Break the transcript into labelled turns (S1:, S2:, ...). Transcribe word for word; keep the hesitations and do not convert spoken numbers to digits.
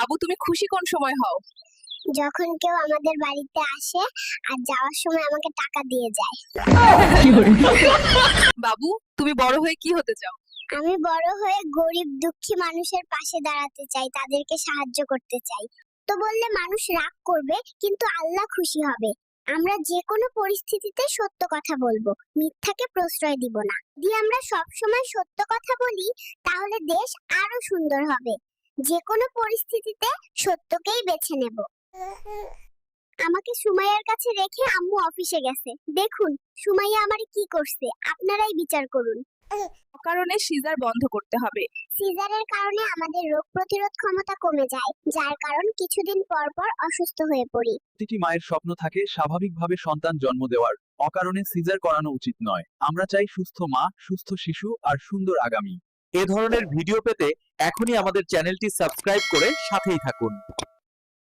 S1: আবু, তুমি খুশি কোন সময় হও?
S2: যখন কেউ আমাদের বাড়িতে আসে আর যাওয়ার সময় আমাকে টাকা দিয়ে যায়।
S1: বাবু, তুমি বড় হয়ে কি হতে চাও?
S2: আমি বড় হয়ে গরিব দুঃখী মানুষের পাশে দাঁড়াতে চাই, তাদেরকে সাহায্য করতে চাই। তো বললে মানুষ রাগ করবে, কিন্তু আল্লাহ খুশি হবে। আমরা যে কোনো পরিস্থিতিতে সত্য কথা বলবো, মিথ্যাকে প্রশ্রয় দিব না। যদি আমরা সব সময় সত্য কথা বলি, তাহলে দেশ আরো সুন্দর হবে। যে কোনো পরিস্থিতিতে সত্যকেই বেছে নেব। আমাকে সুমাইয়ার কাছে রেখে আম্মু অফিসে গেছে। দেখুন সুমাইয়া আমারে কি করছে, আপনারাই বিচার করুন।
S1: অকারণে সিজার বন্ধ করতে হবে।
S2: সিজারের কারণে আমাদের রোগ প্রতিরোধ ক্ষমতা কমে যায়, যার কারণ কিছুদিন পর পর অসুস্থ হয়ে পড়ি।
S3: প্রতিটি মায়ের স্বপ্ন থাকে স্বাভাবিকভাবে সন্তান জন্ম দেওয়ার। অকারণে সিজার করানো উচিত নয়। আমরা চাই সুস্থ মা, সুস্থ শিশু আর সুন্দর আগামী।
S4: এ ধরনের ভিডিও পেতে এখনই আমাদের চ্যানেলটি সাবস্ক্রাইব করে সাথেই থাকুন।